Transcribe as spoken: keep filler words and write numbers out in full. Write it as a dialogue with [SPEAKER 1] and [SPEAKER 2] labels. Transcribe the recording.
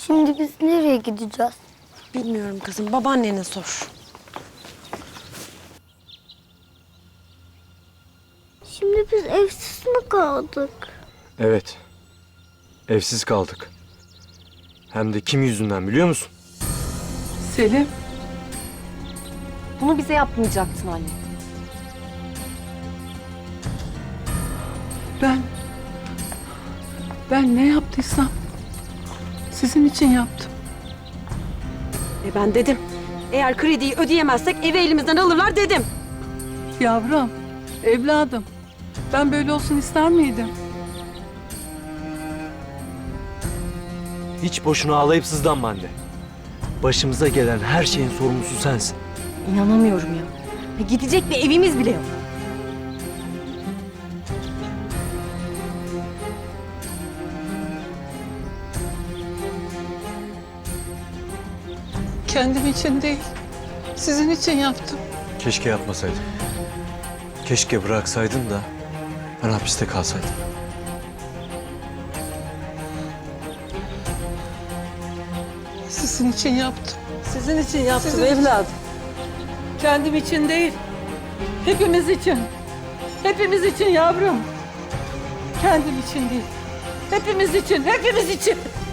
[SPEAKER 1] Şimdi biz nereye gideceğiz?
[SPEAKER 2] Bilmiyorum kızım, babaannene sor.
[SPEAKER 1] Şimdi biz evsiz mi kaldık?
[SPEAKER 3] Evet. Evsiz kaldık. Hem de kim yüzünden biliyor musun?
[SPEAKER 4] Selim,
[SPEAKER 5] Bunu bize yapmayacaktın anne.
[SPEAKER 4] ben... Ben ne yaptıysam sizin için yaptım.
[SPEAKER 2] E ben dedim. Eğer krediyi ödeyemezsek evi elimizden alırlar dedim.
[SPEAKER 4] Yavrum, evladım, ben böyle olsun ister miydim?
[SPEAKER 3] Hiç boşuna ağlayıp sızlanma anne. Başımıza gelen her şeyin sorumlusu sensin.
[SPEAKER 5] İnanamıyorum ya. Ya gidecek bir evimiz bile yok.
[SPEAKER 4] Kendim için değil, sizin için yaptım.
[SPEAKER 3] Keşke yapmasaydın. Keşke bıraksaydın da ben hapiste kalsaydım.
[SPEAKER 4] Sizin için yaptım. Sizin için yaptım Sizin evladım. Kendim için değil, hepimiz için. Hepimiz için yavrum. Kendim için değil, hepimiz için, hepimiz için.